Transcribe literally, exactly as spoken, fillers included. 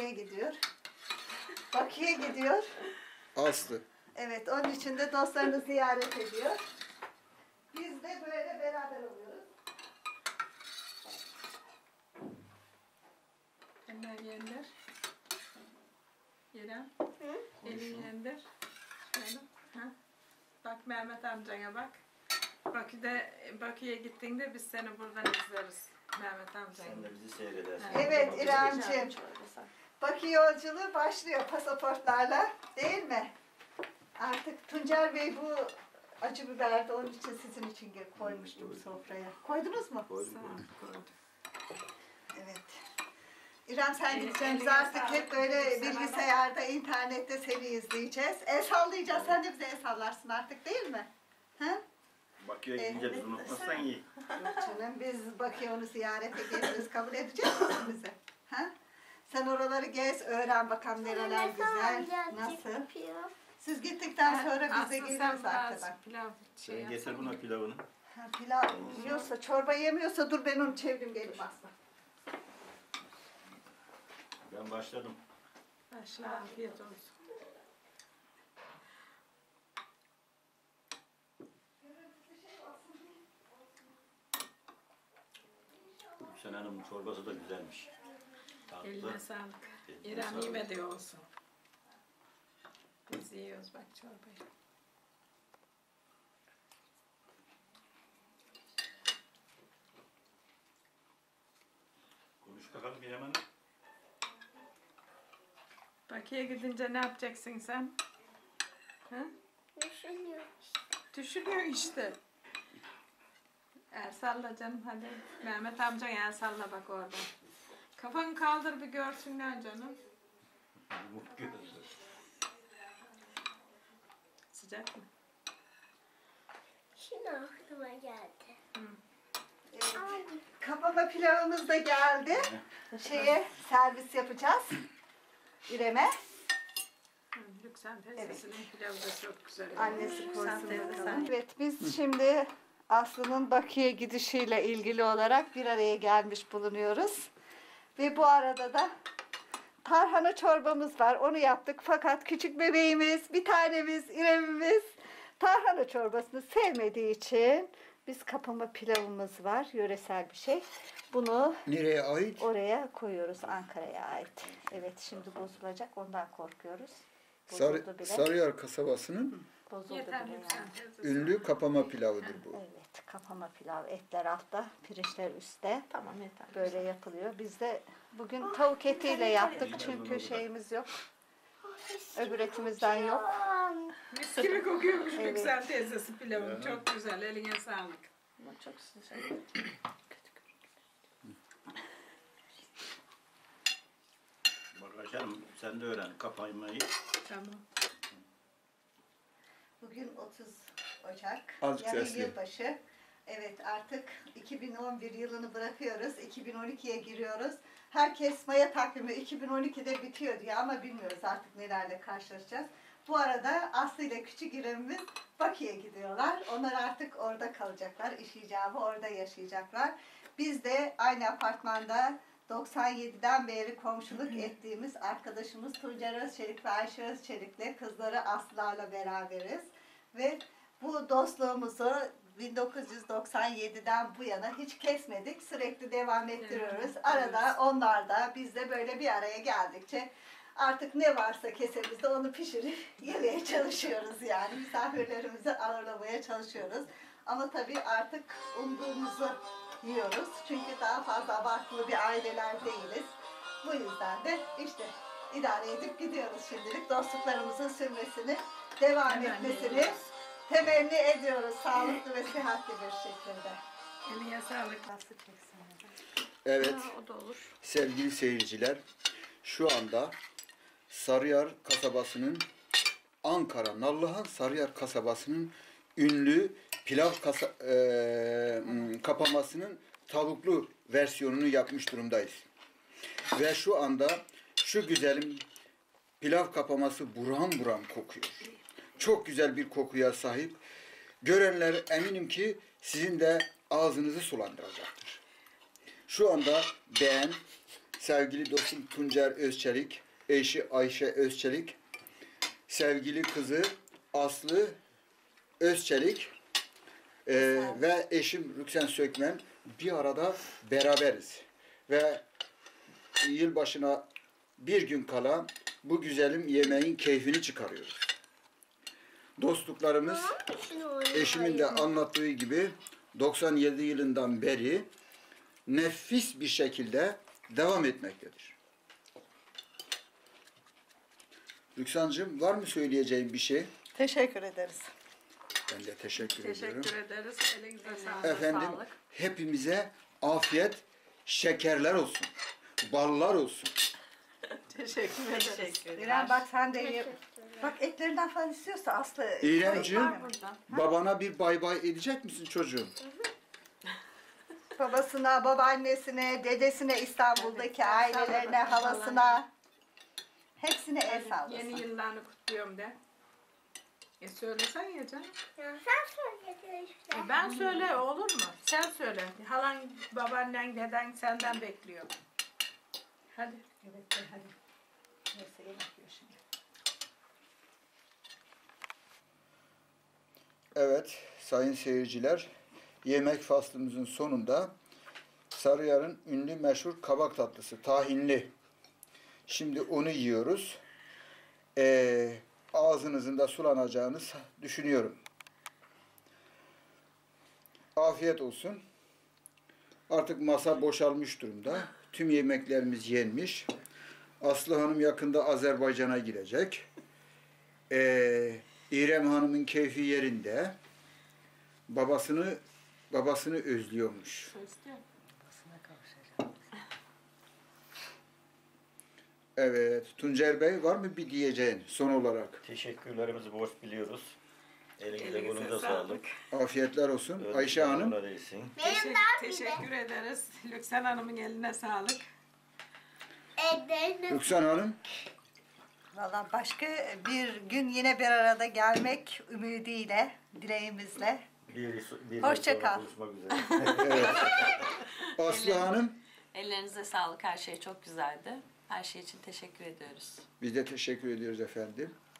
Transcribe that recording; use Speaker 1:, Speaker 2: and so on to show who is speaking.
Speaker 1: şeye gidiyor. Bakü'ye gidiyor.
Speaker 2: Aslı.
Speaker 1: Evet, onun için de dostlarını ziyaret ediyor. Biz de böyle beraber oluyoruz.
Speaker 3: Eller yendir. İrem. Elin yendir. Şöyle. Ha. Bak Mehmet amcana bak. Bakü'de Bakü'ye gittiğinde biz seni buradan izleriz. Mehmet amcana.
Speaker 4: Sen de bizi seyredersin.
Speaker 1: Evet İremciğim. Bakü yolculuğu başlıyor pasaportlarla, değil mi? Artık Tuncer Bey bu acı biberdi, onun için sizin için koymuştum sofraya. Koydunuz mu?
Speaker 4: Koydum.
Speaker 3: Koydum.
Speaker 1: Evet. İrem sen
Speaker 3: Evet,
Speaker 1: gideceğimiz
Speaker 3: eline
Speaker 1: artık
Speaker 3: sağlık.
Speaker 1: hep böyle
Speaker 3: Sana
Speaker 1: bilgisayarda, internette seni izleyeceğiz. El sallayacağız, sen de bize el sallarsın artık değil mi? Ha?
Speaker 4: Bakü'ye gidince bizi unutmazsan iyi.
Speaker 1: Yok canım, biz Bakü'ye onu ziyarete geliriz, kabul edecek misin bizi? Ha? Sen oraları gez, öğren bakalım nereler güzel, nasıl? Siz gittikten sonra biz de
Speaker 3: Aslı
Speaker 1: geliriz
Speaker 3: sen biraz
Speaker 1: arkadan.
Speaker 3: pilav şey
Speaker 4: Sen getir
Speaker 3: yapsana.
Speaker 4: buna pilavını.
Speaker 1: Ha, pilav yiyorsa, çorba yemiyorsa dur ben onu çevireyim gelip Aslı.
Speaker 4: Ben başladım.
Speaker 3: Başla, afiyet olsun.
Speaker 4: Gülsen Hanım'ın çorbası da güzelmiş. Tatlı.
Speaker 3: Eline sağlık.
Speaker 4: Eline
Speaker 3: İrem
Speaker 4: sağlık.
Speaker 3: yemedi olsun. Biz yiyoruz bak çorbayı.
Speaker 4: Konuş bakalım İrem Hanım.
Speaker 3: Bakü'ye gidince ne yapacaksın sen? Ha?
Speaker 5: Düşünüyorum.
Speaker 3: Düşünüyor işte. El salla canım hadi. Mehmet amcan el salla bak orada. Kafanı kaldır bir görsünler canım. Sıcak mı?
Speaker 5: Şimdi aklıma geldi.
Speaker 1: Evet.
Speaker 5: Ay,
Speaker 1: Kapama pilavımız da geldi. Şeye servis yapacağız. İrem'e.
Speaker 3: Hı, Lüksen teyzesinin pilavı da çok güzel.
Speaker 1: Annesi
Speaker 3: Lüksen
Speaker 1: koysun
Speaker 3: teyze
Speaker 1: bakalım.
Speaker 3: sen-
Speaker 1: Evet biz şimdi Aslı'nın Bakü'ye gidişiyle ilgili olarak bir araya gelmiş bulunuyoruz. Ve bu arada da tarhana çorbamız var. Onu yaptık. Fakat küçük bebeğimiz, bir tanemiz, İrem'imiz tarhana çorbasını sevmediği için biz kapama pilavımız var. Yöresel bir şey. Bunu
Speaker 2: Nereye ait?
Speaker 1: oraya koyuyoruz. Ankara'ya ait. Evet şimdi bozulacak. Ondan korkuyoruz.
Speaker 2: Sarı,
Speaker 1: Bozuldu bile.
Speaker 2: Sarıyer kasabasının
Speaker 1: Bozuldu
Speaker 3: Yeter
Speaker 1: bile
Speaker 3: Lüksen
Speaker 1: yani.
Speaker 3: teyzesi.
Speaker 2: ünlü kapama pilavıdır bu.
Speaker 1: Evet, kapama pilav. Etler altta, pirinçler üstte.
Speaker 3: Tamam yeter.
Speaker 1: Böyle yapılıyor. Biz de bugün tavuk etiyle yaptık çünkü şeyimiz yok. Öbür etimizden yok.
Speaker 5: Aman.
Speaker 3: Mis gibi kokuyormuş
Speaker 1: Evet.
Speaker 3: Lüksen teyzesi pilavın. Çok güzel. Eline sağlık.
Speaker 1: Ama çok sıcak.
Speaker 4: Bak Hanım sen de öğren kapaymayı.
Speaker 3: Tamam.
Speaker 1: Bugün otuz Ocak.
Speaker 2: Azıcık
Speaker 1: Yani
Speaker 2: sesli.
Speaker 1: yılbaşı. Evet artık iki bin on bir yılını bırakıyoruz. iki bin on ikiye giriyoruz. Herkes Maya takvimi iki bin on ikide bitiyor diye ama bilmiyoruz artık nelerle karşılaşacağız. Bu arada Aslı ile küçük İrem'imiz Bakü'ye gidiyorlar. Onlar artık orada kalacaklar. İş icabı orada yaşayacaklar. Biz de aynı apartmanda doksan yediden beri komşuluk ettiğimiz arkadaşımız Tuncer Özçelik ve Ayşe Özçelik'le kızları Aslı'larla beraberiz. Ve bu dostluğumuzu bin dokuz yüz doksan yediden bu yana hiç kesmedik. Sürekli devam ettiriyoruz. Arada onlar da biz de böyle bir araya geldikçe artık ne varsa kesemizde onu pişirip yemeye çalışıyoruz yani. Misafirlerimizi ağırlamaya çalışıyoruz. Ama tabii artık umduğumuzu yiyoruz. Çünkü daha fazla abartılı bir aileler değiliz. Bu yüzden de işte idare edip gidiyoruz şimdilik. Dostluklarımızın sürmesini, devam
Speaker 3: Hemen
Speaker 1: etmesini
Speaker 3: ediyoruz.
Speaker 1: temenni ediyoruz. Sağlıklı ve sıhhatli bir şekilde.
Speaker 3: Eline sağlık.
Speaker 1: Nasıl çeksin?
Speaker 2: Evet
Speaker 3: Ha, o da olur.
Speaker 2: sevgili seyirciler, şu anda Sarıyer kasabasının, Ankara Nallıhan Sarıyer kasabasının ünlü pilav kasa, e, kapamasının tavuklu versiyonunu yapmış durumdayız. Ve şu anda şu güzelim pilav kapaması buram buram kokuyor. Çok güzel bir kokuya sahip. Görenler eminim ki sizin de ağzınızı sulandıracaktır. Şu anda beğen, sevgili dostum Tuncer Özçelik, eşi Ayşe Özçelik, sevgili kızı Aslı Özçelik e, ve eşim Rüksen Sökmen bir arada beraberiz. Ve yılbaşına bir gün kala bu güzelim yemeğin keyfini çıkarıyoruz. Dostluklarımız eşimin de anlattığı gibi doksan yedi yılından beri nefis bir şekilde devam etmektedir. Rüksancığım var mı söyleyeceğin bir şey?
Speaker 1: Teşekkür ederiz.
Speaker 2: Ben de teşekkür, ediyorum.
Speaker 3: Teşekkür ederiz. Elinize sağlık.
Speaker 2: Efendim
Speaker 3: Sağlık.
Speaker 2: hepimize afiyet, şekerler olsun, ballar olsun.
Speaker 3: Teşekkür ederiz.
Speaker 6: Teşekkürler.
Speaker 1: İrem bak sen de ye.
Speaker 5: Teşekkürler.
Speaker 1: Bak etlerinden falan istiyorsa Aslı.
Speaker 2: İremciğim,
Speaker 3: Var burada.
Speaker 2: babana bir bay bay edecek misin çocuğum?
Speaker 1: Babasına, babaannesine, dedesine, İstanbul'daki ailelerine, halasına. Hepsine el sallasın.
Speaker 3: Yeni yıllarını kutluyorum de. E söylesen ya canım.
Speaker 5: Ya sen söyle işte.
Speaker 3: E ben söyle olur mu? Sen söyle. Halan, babaannen, deden senden bekliyor. Hadi.
Speaker 1: Evet, hadi. Neyse yemek yiyor şimdi.
Speaker 2: Evet sayın seyirciler, yemek faslımızın sonunda Sarıyer'in ünlü meşhur kabak tatlısı tahinli. Şimdi onu yiyoruz. Ee, ağzınızın da sulanacağını düşünüyorum. Afiyet olsun. Artık masa boşalmış durumda. Tüm yemeklerimiz yenmiş. Aslı Hanım yakında Azerbaycan'a girecek. Ee, İrem Hanım'ın keyfi yerinde. Babasını babasını özlüyormuş. Evet, Tuncer Bey var mı bir diyeceğin son olarak?
Speaker 4: Teşekkürlerimizi borç biliyoruz. Elinize
Speaker 3: Elinize
Speaker 4: kolunuza
Speaker 3: sağlık.
Speaker 4: sağlık.
Speaker 2: Afiyetler olsun.
Speaker 4: Öyle
Speaker 2: Ayşe Hanım.
Speaker 4: öyle değilsin.
Speaker 5: Benim
Speaker 3: Teşekkür,
Speaker 5: de
Speaker 3: teşekkür ederiz. Lüksen Hanım'ın eline sağlık.
Speaker 5: ellerine
Speaker 2: Rüksan Hanım.
Speaker 1: Valla başka bir gün yine bir arada gelmek ümidiyle, dileğimizle.
Speaker 4: Bir, bir
Speaker 1: Hoşça
Speaker 4: ay sonra
Speaker 1: kal.
Speaker 4: buluşmak üzere.
Speaker 2: Evet. Aslı Hanım.
Speaker 6: Ellerinize sağlık. Her şey çok güzeldi. Her şey için teşekkür ediyoruz.
Speaker 2: Biz de teşekkür ediyoruz efendim.